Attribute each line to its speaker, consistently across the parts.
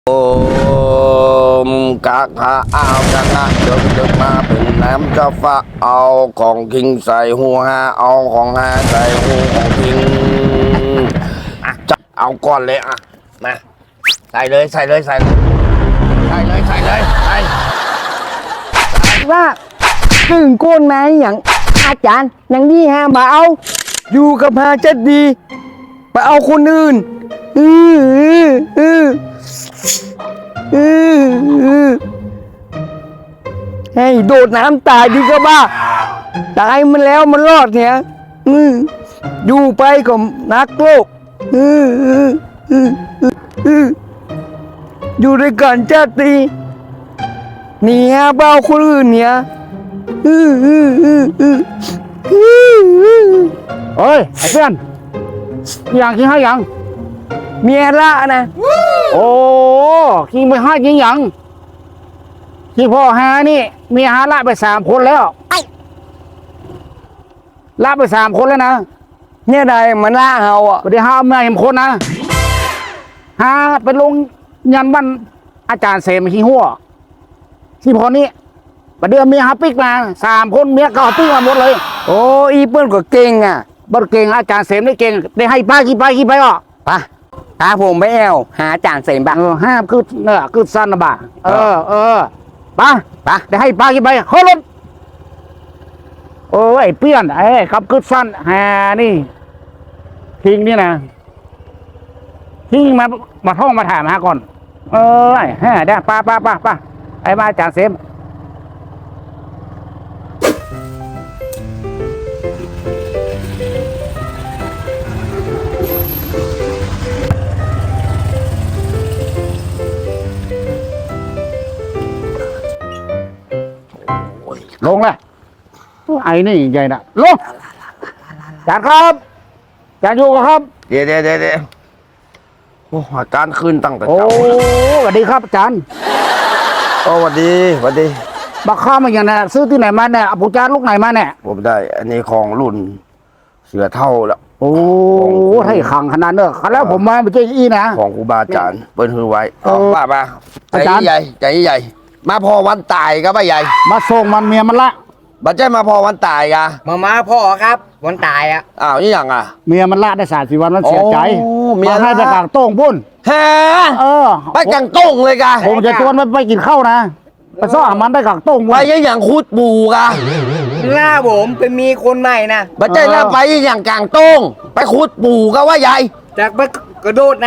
Speaker 1: โอมกะกะอ้าวกะกะเดินมาเป็นน้ำจะฟ้าเอาของคิงใส่หูฮาเอาของฮาใส่หูของคิงจะเอาก่อนเลยอ่ะมาใส่เลย
Speaker 2: ว่าตึงโกนมาอย่างอาจารย์อย่างนี้ฮะมาเอาอยู่กับพาจะดีไปเอาคนอื่นให้โดดน้ำตายดีก็บ้าตายมันแล้วมันรอดเนี่ยอยู่ไปก็นักโลกอยู่ด้วยกันชาตินี่ฮะเบาคนอื่นเนี่ย
Speaker 3: เฮ้ยไอ้เพื่อนอย่างกินให้ยัง
Speaker 2: เมียละนะ
Speaker 3: โอ้กินไปให้กินยังที่พ่อหานี่เมียหาละไป3 คนแล้วละไป3 คนแล้วนะ
Speaker 2: เนี่ยใดมันล่าเฮาอ่ะ
Speaker 3: ไม่ได้หาเมียเห็นคนนะหาไปลงยันบ้านอาจารย์เสมขี้หัวที่พอนี้ประเดี๋ยวเมียหาปิ๊กมา3 คนเมียก็เอาปิ๊กมาหมดเลย
Speaker 2: โอ้อีเปิ้ลก็เก่งอ่ะ
Speaker 3: บัดเก่งอาจารย์เสมได้เก่งได้ให้ป้ากี่ไปอ่ะ
Speaker 2: ปะพาผมไปแอวหาจานเสมบ้าง
Speaker 3: ห้ามคือเนี่ยคือสั้นนะบ่าป้าได้ให้ป้ากี่ไปเฮ้ยรถโอ้ยเปี้ยนครับคือสั้นนี่ทิ้งนี่นะทิ้งมาท่องมาถามหาก่อนได้ป้าไอ้มาอาจารย์เสมลงเลยไอ้นี่ใหญ่นะลงจานครับจานอยู่ครับ
Speaker 1: เดี๋ยวโอ้อาการขึ้นตั้งแต่
Speaker 3: โอ้
Speaker 1: เช้า
Speaker 3: สวัสดีครับอาจารย์
Speaker 1: โอ้หวัดดี
Speaker 3: บักข้าวมาอย่างนั้นซื้อที่ไหนมาเนี่ยอาปุจารย์ลูกไหนมาเนี่ย
Speaker 1: ผมได้อันนี้ของรุ่นเสือเท่าแล้ว
Speaker 3: โอ้ให้ขังขนาดเนอะแล้วผมมาไม่ใช่อีนะ
Speaker 1: ของครูบาอาจารย์เปิ้นฮือไว้ ว่ามาใจ
Speaker 3: อาจารย์
Speaker 1: ใหญ่มาพอวันตายก็ไม่ใหญ่
Speaker 3: มาส่งมันเมียมันละ
Speaker 1: บัดใจมาพอวันตายกะ
Speaker 2: มาพ่อครับวันตายอ่ะ
Speaker 1: อ้าวนี่อย่างอ่ะ
Speaker 3: เมียมันละได้30 วันมันเสียใจ
Speaker 1: โอ้เมียละ
Speaker 3: มาให้ไปกลางโต้งพุ่น
Speaker 1: แฮ
Speaker 3: อ
Speaker 1: ไปกังต้งเลยกะ
Speaker 3: ผมจะชวนมันไปกินข้าวนะไปซ่อหามันได้กลางโต้ง
Speaker 1: ไป
Speaker 3: พุ่น
Speaker 1: อย่างคูดปูกะ
Speaker 2: ล่าผมไปมีคนใหม่นะ
Speaker 1: บัดใจน่าไปอย่างกลางต้งไปคูดปูก็ว่าใหญ่
Speaker 2: จากไปกระโดดน้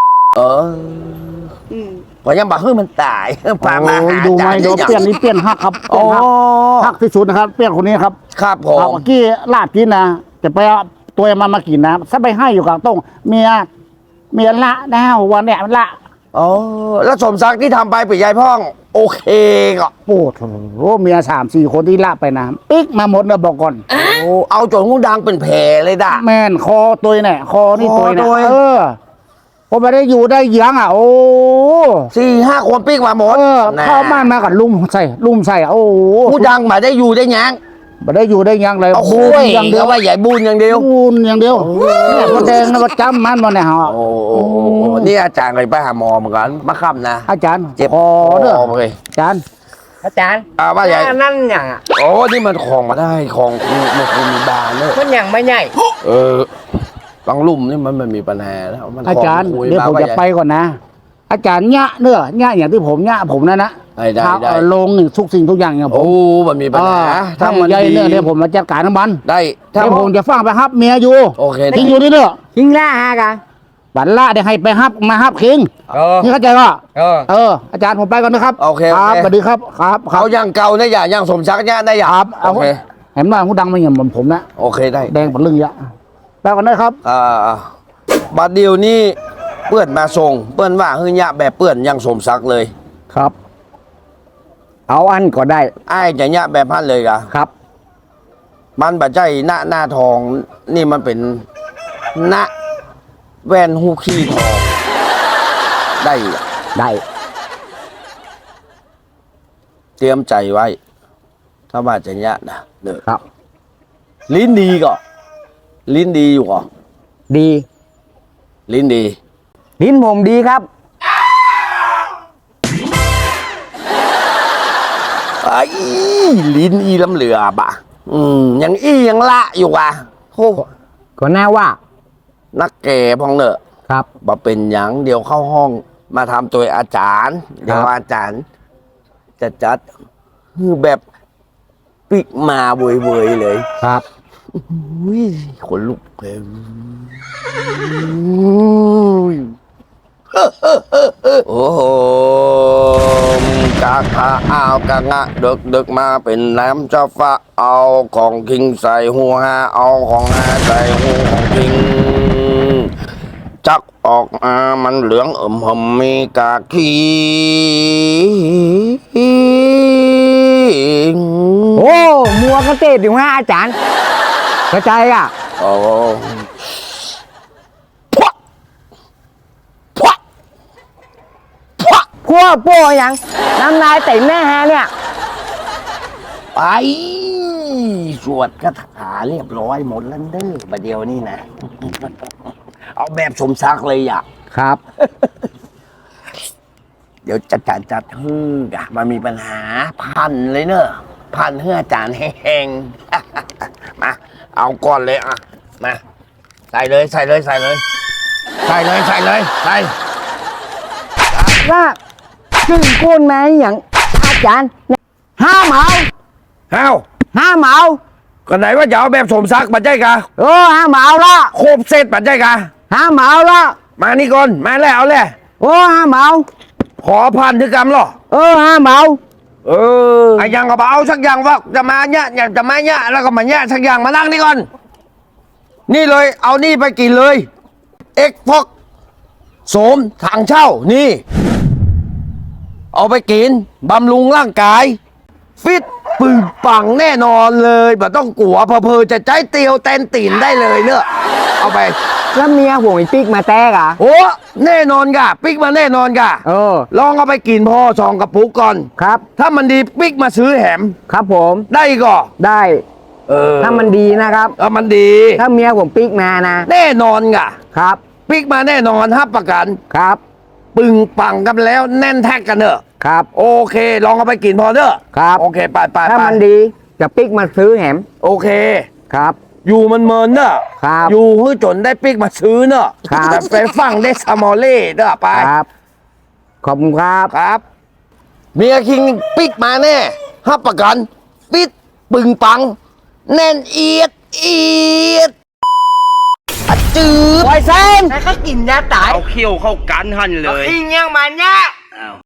Speaker 1: พอยังบอกเฮ้ยมันตายพามา
Speaker 3: โอ้ย
Speaker 1: หา
Speaker 3: ดูไหม
Speaker 1: อาจารย์
Speaker 3: เดี๋ยวเปลี่ยนนี่เปลี่ยนฮักครับเปลี่ยนฮัก ฮักที่สุดนะครับเปลี่ยนคนนี้ครับ
Speaker 1: ครับผ
Speaker 3: เอา
Speaker 1: ม
Speaker 3: เมื่อกี้ลาบกินนะจะไปเอาตัวมันมากินนะถ้าไปให้อยู่กลางโต้งเมียละนะวันเนี้ยละ
Speaker 1: อ๋อแล้วสมศักดิ์ที่ทำไปปิดยายพ่องโอเคก็
Speaker 3: โอ้โหเมีย3-4 คนที่ละไปนะปิ๊กมาหมดเลยบอกก่อน
Speaker 1: โอ้เอาจนหูดังเป็นแผลเลยด่ะ
Speaker 3: แม่นคอตัวเนี่ยคอนี่ตัวเนี่
Speaker 1: คอตั
Speaker 3: ยว ผมไม่ได้อยู่ได้เยียงอ่ะโอ้
Speaker 1: 4-5 คนปิ๊กมาหมดนะ
Speaker 3: เข้าบ้านมากับลุมใส่โอ้โห
Speaker 1: ผู้ดังมาได้อยู่ได้ยัง
Speaker 3: ไม่ได้อยู่ได้ยังเลย
Speaker 1: เอา
Speaker 3: บู
Speaker 1: คุ
Speaker 3: น
Speaker 1: ย
Speaker 3: อย่างเดียว
Speaker 1: ว่าใหญ่บูนอย่างเดียว
Speaker 3: บูนอย่างเดียวเนี่ยคนแดงนะประจำมันมาเนี่ยฮะ
Speaker 1: โอ้นี่อาจารย์เคยไปหาหมอเหมือนกันมาค่ำนะ
Speaker 3: อาจารย์
Speaker 1: เจ็บ
Speaker 3: คอเด้อ
Speaker 1: เลย
Speaker 3: อาจารย์
Speaker 2: ำอาจารย์
Speaker 1: ว่าใหญ่
Speaker 2: นั่นอย่างอ่ะ
Speaker 1: โอ้นี่มันของมาได้ของมันมีบานเนอะ
Speaker 2: มันอย่างไม่ใหญ่
Speaker 1: บางลุ่มนี่มันไม่มีปัญหาแล้วมัน
Speaker 3: อาจารย์
Speaker 1: ของคุ
Speaker 3: เดี๋ยวผม
Speaker 1: า
Speaker 3: จะไปก่อนนะ อาจารย์ญะเนื้อญะอย่างที่ผมญะผมนะ
Speaker 1: ได้
Speaker 3: ครับลงทุกสิ่งทุกอย่างอย่างผ
Speaker 1: โอ้
Speaker 3: ม
Speaker 1: มันมีปัญหา
Speaker 3: ถ้ามันใหญ่เนื้อเดี๋ยวผมมาจัดการทั้งมัน
Speaker 1: ได้ถ้า
Speaker 3: เดี๋ยวผมจะฟังไปฮับเมียอยู่
Speaker 1: โอเค
Speaker 3: ทิ้งอยู่นี่เด้อ
Speaker 2: ยิงล่าฮะกัน
Speaker 3: บัตรละเดี๋ยวให้ไปฮับมาฮับคิงนี่เข้าใจป่ะอาจารย์ผมไปก่อนนะครับ
Speaker 1: โอเค
Speaker 3: ครับสวัสดีครับครับครั
Speaker 1: เอา
Speaker 3: บ
Speaker 1: อย่างเก่านะอย่างสมศักดิ์เนี่ยได้อย่าง
Speaker 3: เอา
Speaker 1: โอเค
Speaker 3: เห็นว่าผู้ดังมาอย่างเหมือนผมนะ
Speaker 1: โอเคได้
Speaker 3: แดงเป็นเรื่องเยอะไปก่อนนะครับ
Speaker 1: บัดเดียวนี่เปื้อนมาส่งเปื้อนว่าเฮือยะแบบเปื้อนยังสมศักดิ์เลย
Speaker 3: ครับ
Speaker 2: เอาอันก็ได้
Speaker 1: ไอ้จะยะแบบพันเลยกะ
Speaker 3: ครับ
Speaker 1: มันบัดใจหน้าทองนี่มันเป็นหน้าแว่นหูขี้ทองได้อะ
Speaker 3: ได้
Speaker 1: เตรียมใจไว้ ถ้าว่าจะยะนะเด้อ
Speaker 3: ครับ
Speaker 1: ลิ้นดีก่อนลิ้นดีอยู่ก่อน
Speaker 2: ดี
Speaker 1: ลิ้นดี
Speaker 2: ลิ้นผมดีครับ
Speaker 1: ไอ้ลิ้นอีลำเหลือบอ่ะยังยังละอยู่อ่ะโอ้
Speaker 2: ก็แน่ว่า
Speaker 1: นักแก่พองเนอะ
Speaker 2: ครับ
Speaker 1: มาเป็นหยังเดี๋ยวเข้าห้องมาทำตัวอาจารย์ เดี๋ยวอาจารย์ จะจัดคือแบบปิกมาเวยๆเลย
Speaker 2: ครับ
Speaker 1: อุ้ยขนลุกเลยโอ้โหกะกะอ้าวกะงะดึกมาเป็นน้ำเจ้าฟ้าเอาของคิงใส่หัวหาเอาของหาใส่หูของคิงจักออกมามันเหลืองหอมมีกากี
Speaker 2: โอ้มัวกระเตดอยู่ฮะอาจารย์กระจายอ่ะ
Speaker 1: โอ้พวกพวกพวก
Speaker 2: พวกโป้ยังน้ำลายเต็มแม่ฮะเนี่ย
Speaker 1: ไปสวดคาถาเรียบร้อยหมดแล้วเด้อประเดี๋ยวนี้นะ เอาแบบสมศักดิ์เลยอ่ะ
Speaker 2: ครับ
Speaker 1: เดี๋ยวจัดฮือกะมันมีปัญหาพันเลยเนอะพันเฮืออาจารย์แห้งๆ มาเอาก่อนเลยอ่ะมาใส่เลยใส่เลยใส่เลยใส่เลยใส่เลยใส่
Speaker 2: ว่าขึ้นก้นไหมอย่างอาจารย์ห้ามเอา
Speaker 1: เอ้า
Speaker 2: ห้ามเอา
Speaker 1: ก็ไหนว่าจะเอาแบบสมศักดิ์ปัจจัยกะ
Speaker 2: ห้ามเอาละ
Speaker 1: โคบเซตปัจจัยกะ
Speaker 2: ห้ามเอาละ
Speaker 1: มานี่ก่อนมาแล้วเอาเลย
Speaker 2: ห้ามเอา
Speaker 1: ขอพันธุกรรมเหรอ
Speaker 2: ห้ามเอา
Speaker 1: ไอ้ยังก็เอาสักอย่างว่าจะมาเนี่ยอยากจะมาเนี่ยแล้วก็มาเนี่ยสักอย่างมานั่งนี่ก่อน นี่เลยเอานี่ไปกินเลย เอ็กพอกโสมทางเช่านี่ เอาไปกินบำรุงร่างกาย ฟิตปึงปังแน่นอนเลยแบบต้องกลัวเพอๆจะใจเตียวแตนตีนได้เลยเนอะเอาไป
Speaker 2: แล้วเมียผมไอ้ปิ๊กมาแตกอ่ะ
Speaker 1: โอ้แน่นอนกะปิ๊กมาแน่นอนกะ ลองเอาไปกินพอ2 กระปุกก่อน
Speaker 2: ครับ
Speaker 1: ถ้ามันดีปิ๊กมาซื้อแหม
Speaker 2: ครับผม
Speaker 1: ได้ก็
Speaker 2: ได้ ถ้ามันดีนะครับ
Speaker 1: มันดี
Speaker 2: ถ้าเมียผมปิ๊กมานะ
Speaker 1: แน่นอนกะ
Speaker 2: ครับ
Speaker 1: ปิ๊กมาแน่นอนฮับประกัน
Speaker 2: ครับ
Speaker 1: ปึงปังกันแล้วแน่นแท็กกันเนอะ
Speaker 2: ครับ
Speaker 1: โอเค ลองเอาไปกินพอเนอะ
Speaker 2: ครับ
Speaker 1: โอเคไป
Speaker 2: ถ้ามันดีจะปิ๊กมาซื้อแหม
Speaker 1: โอเค
Speaker 2: ครับ
Speaker 1: อยู่มันเมินเนอะ
Speaker 2: ครับ
Speaker 1: อยู่ให้จนได้ปิ๊กมาซื้อเนอะ
Speaker 2: ครับ
Speaker 1: แต่ไปฟังได้สมอลเล่เนอะไป
Speaker 2: ครับ ขอบคุณครับ
Speaker 1: ครับ เมียคิงปิ๊กมาแน่ฮับประกันฟิตปึงปัง แน่นเอียดอะจืด
Speaker 2: ปล่อยเส้นแล้วก็กินยาตาย
Speaker 1: เอาเขี้ยวเข้ากันหันเลย
Speaker 2: อิงยังมันเนี่ย